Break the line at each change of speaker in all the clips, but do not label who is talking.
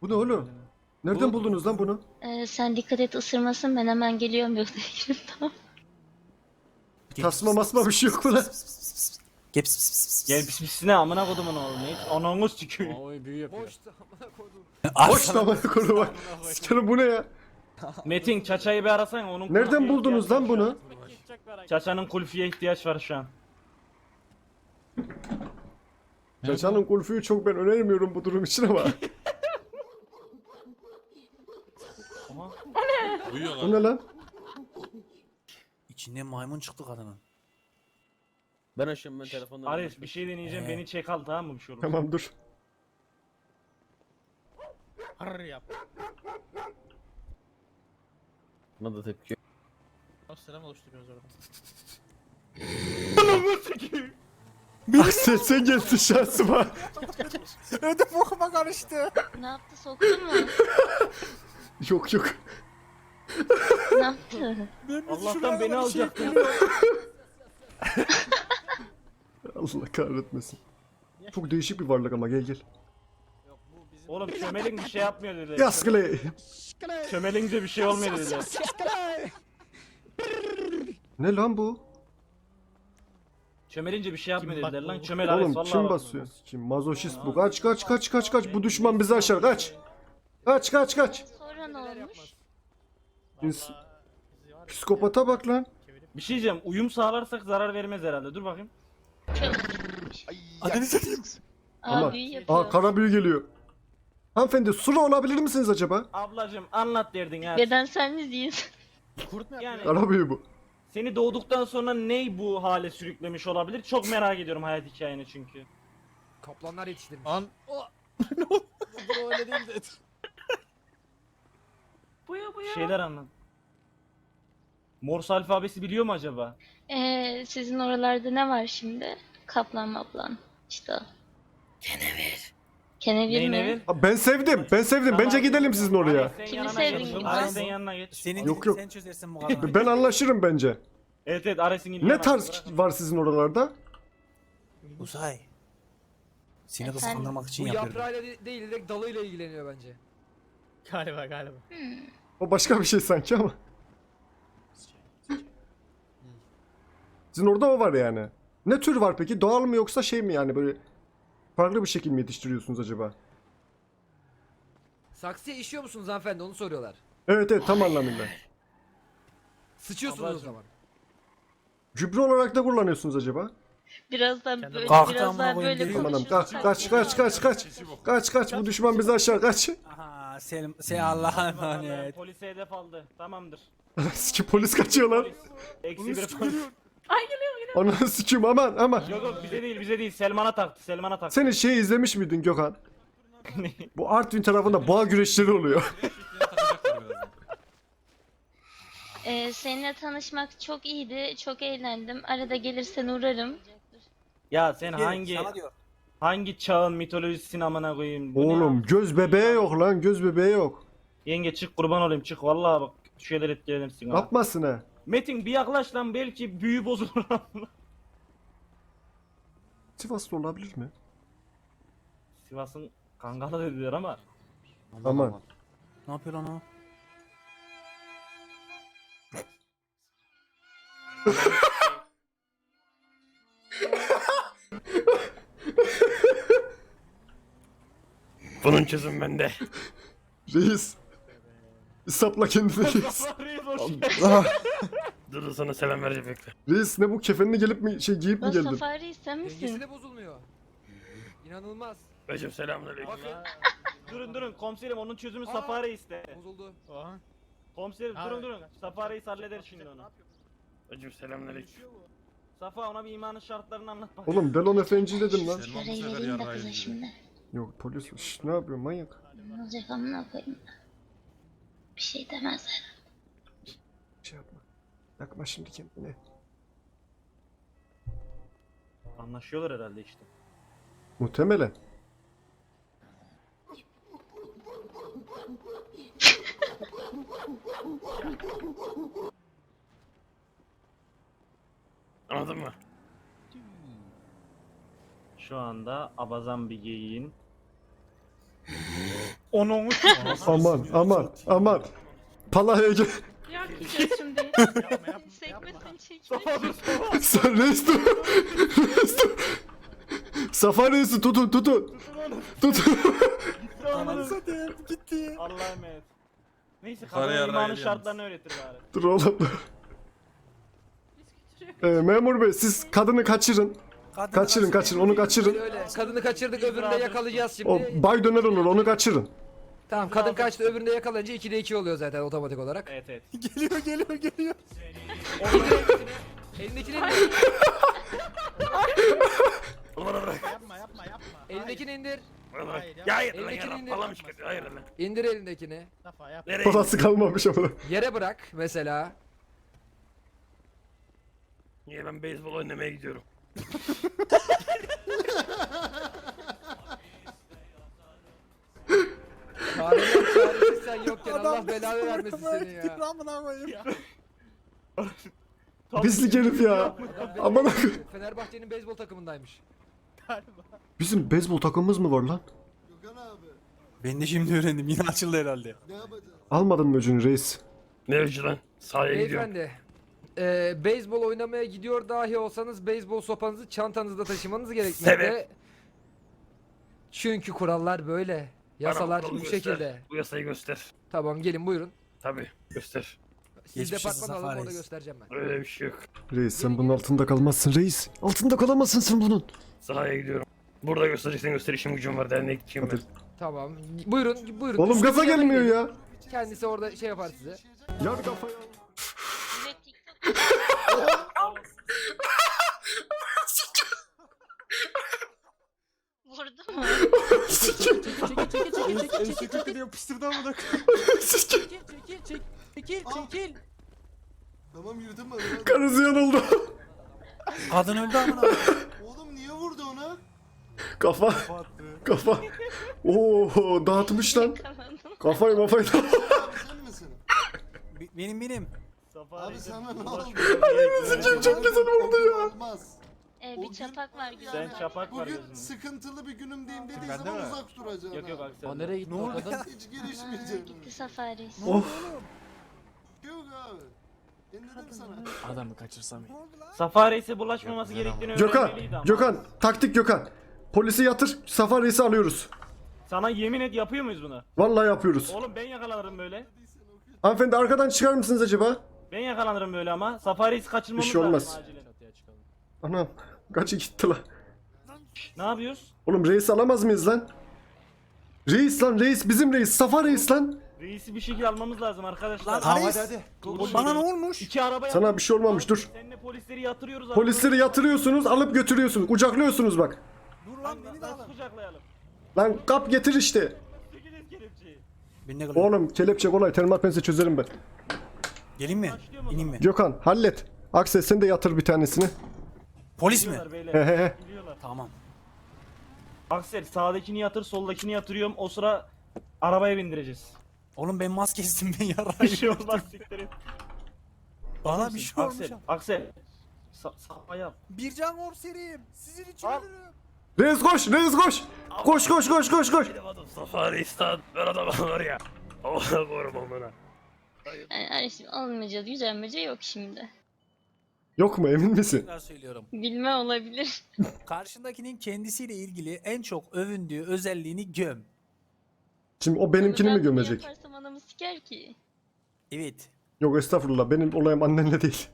Bu ne oğlum? Nereden buldunuz lan bunu?
Sen dikkat et ısırmasın, ben hemen geliyorum yoksa yerim, tamam.
Tasma masma bir şey yok mu lan?
Gel pis pis pis.
Gel pis pisine amına kodumun oğlum. Hiç ananı sikeyim.
Oy büyü yapıyor.
Boş da amına koydum.
Boş tamam konu bak. Sikerim bu ne ya?
Metin Çaça'yı bir arasana onun
Nereden
kulfiye
buldunuz
ihtiyacı
lan
var şu
bunu?
an. Çaça'nın kulfiye ihtiyaç var şu an.
Çaçanın kulfüyü çok ben önermiyorum bu durum için ama.
Uyuyor
Bu ne lan?
İçinden maymun çıktı kadının.
Ben açıyorum ben telefondan.
Ares bir şey deneyeceğim beni çek al tamam mı bir şey olur.
Tamam dur.
Harr yap. Buna da tepki. Selam oluşturuyoruz orada.
Ananı sikeyim.
Ah sen geldin şansıma.
Ödüm bokuma karıştı.
Ne yaptı, soktun mu?
Yok yok.
Ne yaptı?
Allah'tan beni alacaktın.
Allah kahretmesin. Çok değişik bir varlık ama gel.
Oğlum çömelin bir şey yapmıyor dediler.
Yaskılı.
Çömelince bir şey olmuyor dediler.
Ne lan bu?
Çömelince bir şey yapmıyor dediler lan. Çömel Ares
Oğlum
vallahi
kim
bak.
basıyor? Kim mazoşist bu? Kaç kaç kaç kaç kaç. Bu düşman bizi aşar kaç. Kaç kaç kaç.
Sonra ne olmuş?
Psikopata bak lan.
Bir şey diyeceğim uyum sağlarsak zarar vermez herhalde dur bakayım.
Adını satayım.
Ama
Büyü yapıyor.
kara büyü geliyor. Hanımefendi sulu olabilir misiniz acaba?
Ablacım anlat derdin ya.
Bedenseliniz değil.
Yani
Kara büyü bu.
seni doğduktan sonra ney bu hale sürüklemiş olabilir? Çok merak ediyorum hayat hikayeni çünkü.
Kaplanlar yetiştirmiş.
An.
Bu öyle değil de.
Şeyler anlat. Morse alfabesi biliyor mu acaba?
Sizin oralarda ne var şimdi? Kaplan maplan. İşte o. Kenevir
Neyin
mi?
evi?
Ha, ben sevdim. Ben sevdim. Bence gidelim sizin oraya.
Sen
Kimi
yanına
sevdin
geç.
gibi?
Ares'in yanına geç.
Senin
Yok,
yok,
yok.
sen çözersin bu kadını.
Ben anlaşırım bence.
Evet evet Ares'in
Ne tarz var sizin oralarda?
Uzay. Seni
Efendim?
kıskandırmak için
Bu
yapıyorum.
yaprağıyla değil direkt dalıyla ilgileniyor bence.
Galiba.
O başka bir şey sanki ama. Sizin orada o var yani. Ne tür var peki? Doğal mı yoksa şey mi yani böyle farklı bir şekilde mi yetiştiriyorsunuz acaba?
Saksıya işiyor musunuz hanımefendi onu soruyorlar.
Evet evet tam anlamıyla.
Sıçıyorsunuz o
Ablacım.
şey
zaman.
Gübre olarak da kullanıyorsunuz acaba?
Birazdan böyle,
Kalktı
biraz
amına
daha
koyayım
böyle
geliyor.
Amanım
konuşursak.
kaç kaç kaç kaç kaç. Kaç kaç bu düşman bizi aşar kaç.
Aha sen Allah'a emanet.
Polise hedef aldı. Tamamdır.
Sikim polis kaçıyor lan.
Polis. Eksi bir polis.
Ananı sikim aman aman.
Yok yok bize değil Selman'a taktı Selman'a taktı.
Senin şey izlemiş miydin Gökhan? Bu Artvin tarafında boğa güreşleri oluyor.
Seninle tanışmak çok iyiydi. Çok eğlendim. Arada gelirsen uğrarım.
Ya sen hangi
Sana diyor.
hangi çağın mitolojisini amına koyayım? Bu ne
Oğlum
ya?
göz bebeği yok lan göz bebeği yok.
Yenge çık kurban olayım çık vallahi bak şu şeyler etkilenirsin ha.
Yapmasın ha.
Metin bir yaklaş lan belki büyü bozulur.
Sivaslı olabilir mi?
Sivas'ın kangalı dediler ama.
Aman.
Ne yapıyor lan o?
Bunun çözümü bende.
Reis. Sapla kendini reis.
Reis
Ah,
Dur sana selam verecek bekle.
reis ne bu kefenini gelip mi şey giyip mi
O
geldin?
Safari sen
Dengesi
misin?
de bozulmuyor. İnanılmaz.
Hocam selamünaleyküm.
Bakın
Durun komiserim onun çözümü Safari iste.
bozuldu.
Komiserim durun Safari halleder şimdi onu.
Hocam selamünaleyküm.
Safa ona bir imanın şartlarını anlat bak.
Oğlum Delon Efendi dedim lan.
Parayı vereyim de kıza şimdi.
Yok polis. Şş, ne yapıyorsun manyak?
Ne olacak amına koyayım. Bir şey demezler.
Şey yapma. Yakma şimdi kendine.
Anlaşıyorlar herhalde işte.
Muhtemelen.
Anladın mı?
Şu anda abazan bir geyiğin Onun
Aman aman aman. Palaya gel.
Yok şimdi. Sekmesin çekme.
Sen reis dur. Reis dur. Safa reisi tutun tutun. Tutun.
Ananı satayım gitti.
Allah'a emanet. Neyse
Yukarı
kadına
yarrağı
imanın
yalnız.
şartlarını öğretir bari.
Dur oğlum dur. Memur bey siz kadını kaçırın. Kaçırın onu kaçırın.
Öyle. Kadını kaçırdık öbürünü de yakalayacağız şimdi.
O bay döner olur onu kaçırın.
Tamam kadın kaçtı öbürünü de yakalayınca 2'de 2 oluyor zaten otomatik olarak.
Evet evet.
Geliyor.
Elindekini Elindekini indir.
Ya hayır lan
Elindekini
ya
indir.
falan mı çıkıyor? Hayır lan.
İndir elindekini.
Nereye?
Parası kalmamış ama.
Yere bırak mesela.
Niye ben beyzbol oynamaya gidiyorum?
Çağrılar çaresiz sen yokken Allah belanı vermesin seni ya.
Pislik herif ya. Aman akı.
Fenerbahçe'nin beyzbol takımındaymış.
Bizim beyzbol takımımız mı var lan?
Ben de şimdi öğrendim yine açıldı herhalde.
Almadın mı öcünü reis?
Ne öcü lan? Sahaya gidiyorum.
Beyefendi, beyzbol oynamaya gidiyor dahi olsanız beyzbol sopanızı çantanızda taşımanız gerekmekte.
Sebep?
Çünkü kurallar böyle. Yasalar
Bana
bu
kolu
şekilde.
göster. Bu yasayı göster.
Tamam gelin buyurun.
Tabi göster.
Siz
Geçmiş olsun
departman alın
Zafer
orada
Reis.
göstereceğim ben.
Öyle bir şey yok.
Reis sen bunun altında kalmazsın reis. Altında kalamazsın sen bunun.
Sahaya gidiyorum. Burada göstereceksen göster, işim gücüm var, derneğe gideceğim ben.
Hadi.
Tamam. Buyurun.
Oğlum gaza gelmiyor ya.
Kendisi orada şey yapar size.
Yar kafaya.
Bir de TikTok. Vurdu mu?
Yapıştırdı amına Çekil.
Tamam yürüdüm ben.
Karısı yanıldı.
Kadın öldü amına.
Oğlum niye vurdu ona?
Kafa. Kafa. Oo dağıtmış lan.
Yakalandım.
Kafayı
Abi sen misin?
Benim.
Abi sana ne oldu?
Sikeyim çok güzel oldu ya.
Olmaz.
Bir çapak var
Sen
güzel.
çapak var
Bugün
gözünde.
sıkıntılı bir günümdeyim dediği
Bende
zaman
mi?
uzak duracaksın.
Yok yok
ha.
Aksel.
O nereye gitti
Ne
o
oldu
kadın?
ya?
Hiç girişmeyeceğim.
Gitti Safari.
Of.
Yok abi. İndirdim sana.
Adamı kaçırsam.
Safari ise bulaşmaması gerektiğini
Gökhan.
öğrenmeliydi ama.
Gökhan. Taktik Gökhan. Polisi yatır. Safa reisi alıyoruz.
Sana yemin et yapıyor muyuz bunu?
Vallahi yapıyoruz.
Oğlum ben yakalanırım böyle.
Hanımefendi arkadan çıkar mısınız acaba?
Ben yakalanırım böyle ama. Safari'yi kaçırmamız
Bir şey olmaz.
lazım acilen.
Anam. Kaçı gitti lan.
Ne yapıyoruz?
Oğlum reis alamaz mıyız lan? Reis lan reis bizim reis. Safa reis lan.
Reisi bir şekilde almamız lazım arkadaşlar.
Hadi. Bana ne olmuş?
İki araba
Sana bir şey olmamış dur.
Seninle polisleri yatırıyoruz.
Polisleri yatırıyorsunuz alıp götürüyorsunuz. Kucaklıyorsunuz bak.
Dur lan beni de
Nasıl
alın.
kucaklayalım?
Lan kap getir işte.
Çekilin kelepçeyi.
Ben ne kalayım?
Oğlum kelepçe kolay. Termal pense çözerim ben.
Geleyim mi?
Başlıyor mu o
İneyim
zaman?
mi?
Gökhan hallet. Aksel sen de yatır bir tanesini.
Polis mi?
Biliyorlar beyler.
He he he.
Biliyorlar.
Tamam.
Aksel sağdakini yatır, soldakini yatırıyorum. O sıra arabaya bindireceğiz.
Oğlum ben maskesizim ben
Bir
yarayım.
şey olmaz siktir et.
Bana bir şey olmuş.
Aksel, Aksel. Sağ yap.
Bircan Orseriyim. Sizin için
Al.
ölürüm.
Reis koş reis koş. Koş koş koş koş koş.
Benim adım Safari İstan. Ben adamım var ya. Allah'a korum onlara.
Yani şimdi alınmayacağız. Gücenmece yok şimdi.
Yok mu emin misin?
Tekrar söylüyorum.
Bilme olabilir.
Karşındakinin kendisiyle ilgili en çok övündüğü özelliğini göm.
Şimdi o benimkini
Onu
mi
ben
gömecek?
Yaparsam anamı siker ki.
Evet.
Yok estağfurullah benim olayım annenle değil.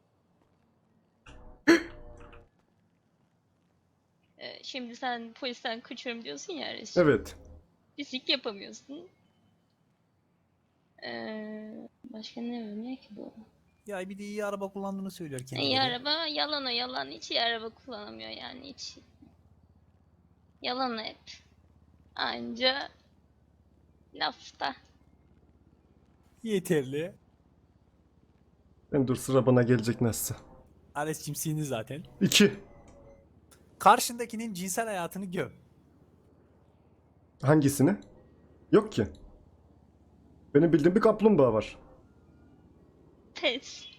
Şimdi sen polisten kaçıyorum diyorsun ya Reşit.
Evet.
Pislik yapamıyorsun. Başka ne övünüyor ki bu?
Ya bir de iyi araba kullandığını söylüyor kendileri.
İyi araba yalan o yalan. Hiç iyi araba kullanamıyor yani hiç. Yalan hep. Anca lafta.
Yeterli.
Ben dur sıra bana gelecek nasılsa.
Ares cimsiyini zaten.
2.
Karşındakinin cinsel hayatını göm.
Hangisini? Yok ki. Benim bildiğim bir kaplumbağa var.
Pes.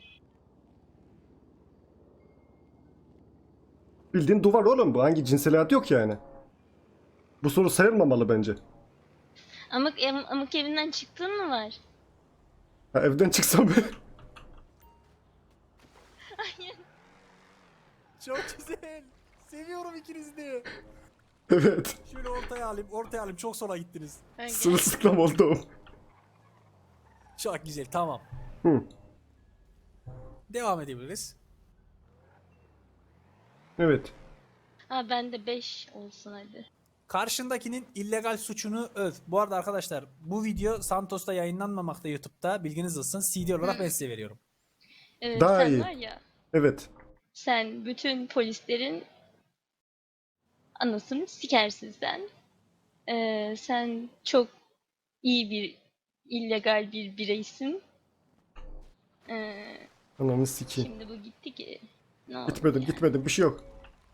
Bildiğin duvar oğlum bu. Hangi cinsel hayat yok yani. Bu soru sayılmamalı bence.
Amık evinden çıktın mı var?
Ha, evden çıksam
Hayır.
Çok güzel. Seviyorum ikinizi de.
evet.
Şöyle ortaya alayım. Çok sola gittiniz.
Ha, gel.
Sırılsıklam oldum.
Çok güzel, tamam.
Hı.
Devam edebiliriz.
Evet.
Ha bende 5 olsun hadi.
Karşındakinin illegal suçunu öv. Bu arada arkadaşlar bu video Santos'ta yayınlanmamakta YouTube'da. Bilginiz olsun. CD olarak ben size veriyorum.
Daha
Sen
iyi.
var ya,
Evet.
sen bütün polislerin anasını sikersin sen. Sen çok iyi bir illegal bir bireysin.
Ananı sikeyim.
Şimdi bu gitti ki. Ne oldu
Gitmedim
ya?
gitmedim bir şey yok.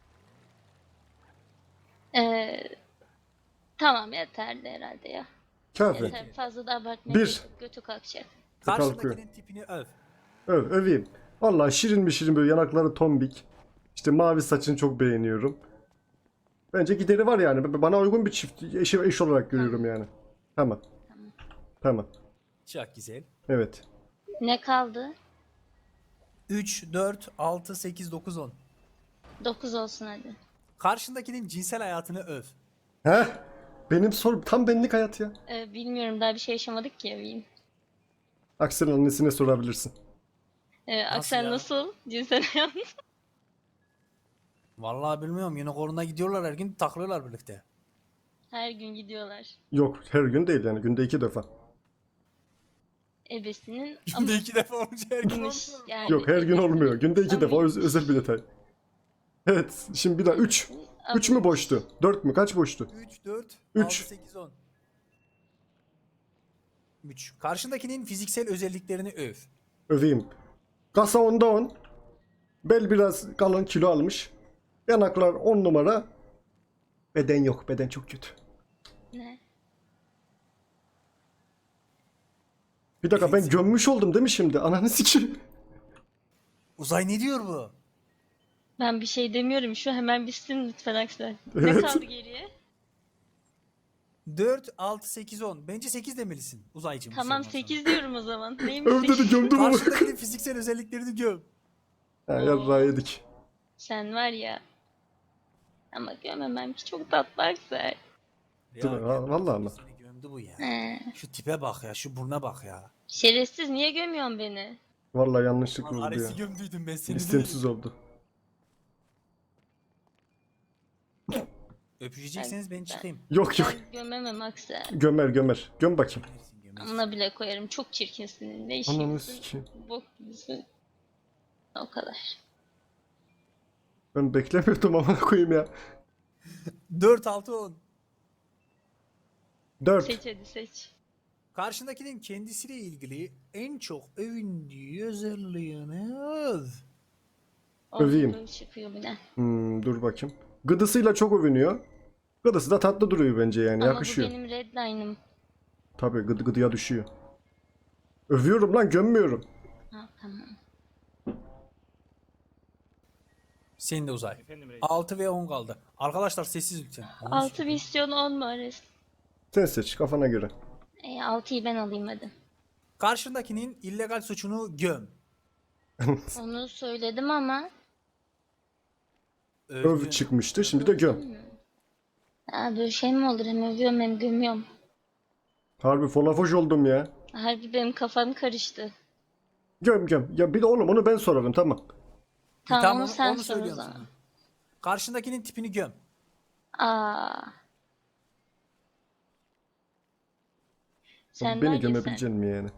Tamam yeterli herhalde ya.
Kafi.
Yeter, fazla da abartmaya
Bir.
gerek yok, götü kalkacak.
Karşındakinin tipini öv.
Öveyim. Vallahi şirin mi şirin böyle yanakları tombik. İşte mavi saçını çok beğeniyorum. Bence gideri var yani. Bana uygun bir çift eş olarak görüyorum yani. Tamam. Tamam.
Çok güzel.
Evet.
Ne kaldı?
3, 4, 6, 8, 9, 10.
9 olsun hadi.
Karşındakinin cinsel hayatını öv.
Heh. Benim sorum tam benlik hayat ya.
Bilmiyorum, daha bir şey yaşamadık ki evliyim.
Aksel'in annesine sorabilirsin.
Aksel
ya?
nasıl? Cinsel hayat.
Vallahi bilmiyorum. Unicorn'a gidiyorlar her gün takılıyorlar birlikte.
Her gün gidiyorlar.
Yok her gün değil yani günde 2 defa.
Ebesinin
Günde 2 defa olunca her gün
ammış
olmuyor.
yani.
Yok her gün
ebesinin
olmuyor. Günde 2 defa
amıymış.
özel bir detay. Evet şimdi bir daha 3. 3 mü
Amıymış.
boştu? 4 mü? Kaç boştu?
3, 4,
Üç.
6, 8, 10. 3. Karşındakinin fiziksel özelliklerini öv.
Öveyim. Kasa 10'da 10. Bel biraz kalın kilo almış. Yanaklar 10 numara. Beden yok. Beden çok kötü.
Ne?
Bir dakika ben gömmüş oldum değil mi şimdi? Ananı sikeyim.
Uzay ne diyor bu?
Ben bir şey demiyorum. Şu hemen bitsin lütfen Aksel. Ne
Evet.
kaldı geriye?
4, 6, 8, 10. Bence 8 demelisin uzaycım. bu
Tamam
sorundan
8 diyorum o zaman. Neymiş
Öv dedi
8?
gömdüm
sonra.
onu.
Karşındakinin fiziksel özelliklerini göv.
Ha yarrağı yedik.
Sen var ya. Ama gömemem ki, çok tatlı Aksel.
Değil mi? Ha, vallahi ama.
Seni gömdü bu ya.
He.
Şu tipe bak ya, şu buruna bak ya.
Şerefsiz, niye gömüyorsun beni?
Vallahi yanlışlıkla
Lan
oldu ya.
Ares'i gömdüydüm ben seni.
İstemsiz oldu.
Öpüşecekseniz ben çıkayım.
Yok yok.
Ben gömemem Aksel.
Gömer gömer. Göm bakayım.
Gömersin, gömersin.
Amına bile koyarım. Çok çirkinsin. Ne
Ananı
işin?
sikeyim.
Bok gibisin. O kadar.
Ben beklemiyordum ama koyayım ya.
4, 6, 10.
4.
Seç hadi seç.
Karşındakinin kendisiyle ilgili en çok övündüğü özelliğini öv.
Öveyim.
Böyle çıkıyor bir de.
Dur bakayım. Gıdısıyla çok övünüyor. Gıdısı da tatlı duruyor bence yani.
Ama
Yakışıyor.
bu benim redline'ım.
Tabii gıdıya düşüyor. Övüyorum lan gömmüyorum.
Ha tamam.
Senin de uzay.
Efendim reis.
6 ve 10 kaldı. Arkadaşlar sessiz lütfen.
6 misyon 10 mu Ares?
Sen seç kafana göre.
6'yı ben alayım hadi.
Karşındakinin illegal suçunu göm.
Onu söyledim ama.
Öv çıkmıştı şimdi de göm.
Ha, böyle şey mi olur? Hem övüyorum hem gömüyorum.
Harbi folafoş oldum ya.
Harbi benim kafam karıştı.
Göm göm. Ya bir de oğlum onu ben sorarım tamam.
Tamam, onu sen
onu
sor o
söylüyorum
zaman.
sana. Karşındakinin tipini göm.
Aa. Sen var
Beni
ya
gömebilecek mi yani?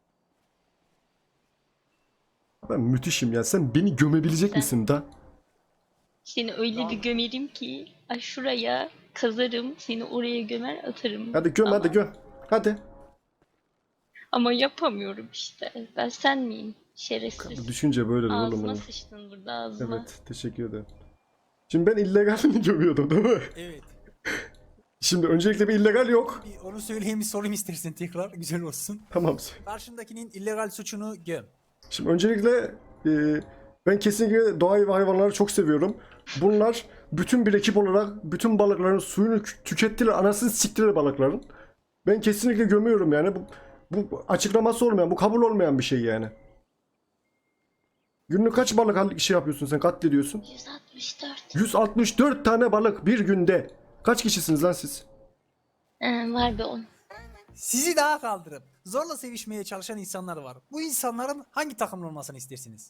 Ben müthişim ya. Sen beni gömebilecek
Sen-
misin da?
Seni öyle bir gömerim ki şuraya kazarım, seni oraya gömer atarım.
Hadi göm
Ama-
hadi göm. Hadi.
Ama yapamıyorum işte. Ben sen miyim? Şerefsiz.
Düşünce böyle oğlum.
Ağzıma
benim.
sıçtın burada, ağzıma.
Evet teşekkür ederim. Şimdi ben illegalini gömüyordum değil mi?
Evet.
Şimdi öncelikle bir illegal yok.
Bir onu söyleyeyim, bir sorayım istersen tekrar. Güzel olsun.
Tamam.
Karşındakinin illegal suçunu göm.
Şimdi öncelikle ben kesinlikle doğayı ve hayvanları çok seviyorum. Bunlar bütün bir ekip olarak bütün balıkların suyunu tükettiler. Anasını siktiler balıkların. Ben kesinlikle gömüyorum yani. Bu açıklaması olmayan, bu kabul olmayan bir şey yani. Günlük kaç balık şey yapıyorsun sen, katlediyorsun?
164.
164 tane balık bir günde. Kaç kişisiniz lan siz?
Var be 10.
Sizi daha kaldırıp zorla sevişmeye çalışan insanlar var. Bu insanların hangi takımlı olmasını istersiniz?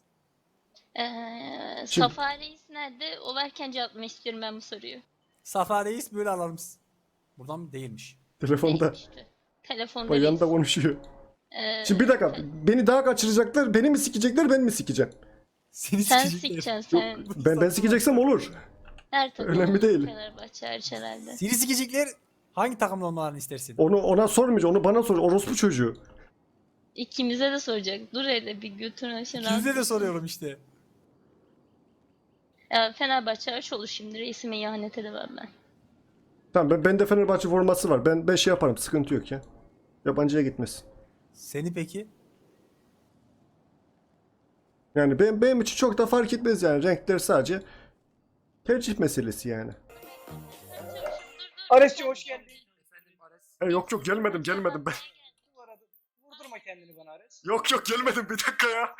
Safa Reis nerede? O varken cevaplamak istiyorum ben bu soruyu.
Safa Reis böyle alalım. Buradan değilmiş.
Telefonda.
Değişmişti. Telefonda
Bak yanında
reis.
konuşuyor.
Ee,
Şimdi bir dakika. Beni daha kaçıracaklar. Beni mi sikecekler, ben mi sikeceğim?
Seni
Sen
sikecekler.
sikeceksin sen.
Ben sikeceksem olur.
Her takım
Önemli değil.
Fenerbahçe hariç herhalde.
Seni sikecekler hangi takımlı olmalarını istersin?
Ona sormayacağım. Onu bana sor. Orospu çocuğu.
İkimize de soracak. Dur hele bir götürün aşağı.
İkinize de soruyorum işte.
Fenerbahçe hariç olur şimdi. Reisime ihanet edemem ben.
Tamam, bende Fenerbahçe forması var. Ben şey yaparım. Sıkıntı yok ya. Yabancıya gitmesin.
Seni peki?
Yani benim için çok da fark etmez yani. Renkler sadece tercih meselesi yani.
Ares'cim hoş geldin.
Yok gelmedim ben.
Vurdurma kendini bana Ares.
Yok gelmedim, bir dakika ya.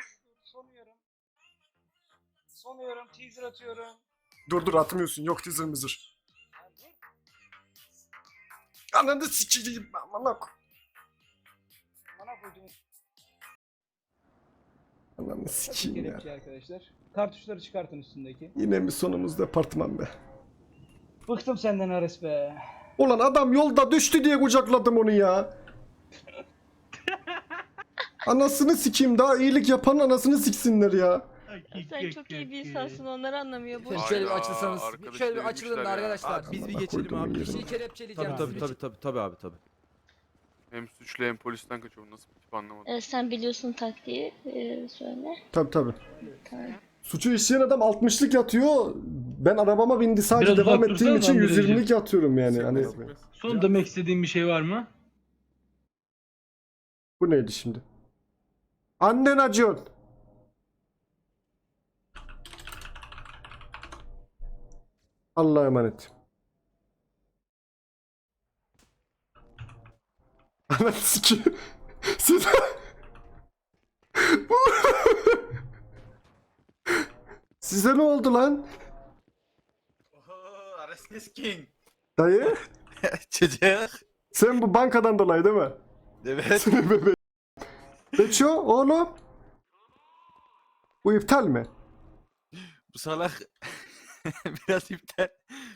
Sonuyorum, teaser atıyorum.
Dur atmıyorsun, yok teaser mızır. Ananı sikeyim amına koy.
Bana koydum.
Ananı sikeyim ya.
Kelepçe arkadaşlar. Kartuşları çıkartın üstündeki.
Yine mi sonumuz departman be.
Bıktım senden Ares be.
Ulan adam yolda düştü diye kucakladım onu ya. Anasını sikeyim, daha iyilik yapan anasını siksinler ya.
Sen çok iyi bir insansın, onları anlamıyor. Boş
Şöyle bir
Hayda,
açılsanız.
arkadaşı
Şöyle bir
dövmüşler
açılın da
ya.
arkadaşlar.
Abi biz bir
Allah
geçelim
koyduğumun
abi.
yerine.
Bir şey kelepçeleyeceğim.
Tabii
sizi.
tabii abi tabii.
Hem suçlu hem polisten kaçıyor. Nasıl bir tip anlamadım.
Sen biliyorsun taktiği. Söyle.
Tabii.
Tamam.
Suçu işleyen adam 60'lık yatıyor. Ben arabama bindi sadece
Biraz
devam
uzak
ettiğim için
dursana lan
120'lik yatıyorum yani. Hani
Son demek istediğin bir şey var mı?
bu neydi şimdi? Annen acıyor. Allah'a emanet. Ananı sikeyim. Siz... Size ne oldu lan?
Oho, Ares King.
Dayı,
Çocuk.
sen bu bankadan dolayı değil mi?
Evet.
Beço oğlum. Bu iptal mi?
Bu salak biraz iptal.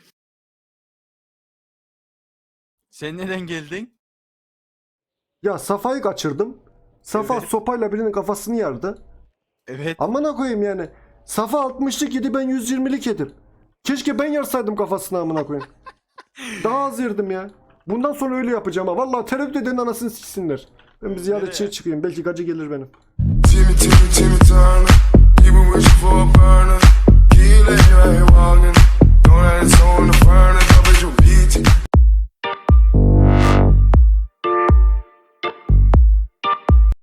Sen neden geldin?
Ya Safa'yı kaçırdım. Safa
Evet.
sopayla birinin kafasını yardı.
Evet.
Amına koyayım yani. Safa 60'lık yedi, ben 120'lik yedim. Keşke ben yarsaydım kafasını amına koyayım. Daha az yerdim ya. Bundan sonra öyle yapacağım ha. Vallahi tereddüt edenin anasını siksinler. Ben bir ziyaretçiye çıkayım. Belki gacı gelir benim.
Timmy Turner. You been wishing for a burner. Keep letting your walk.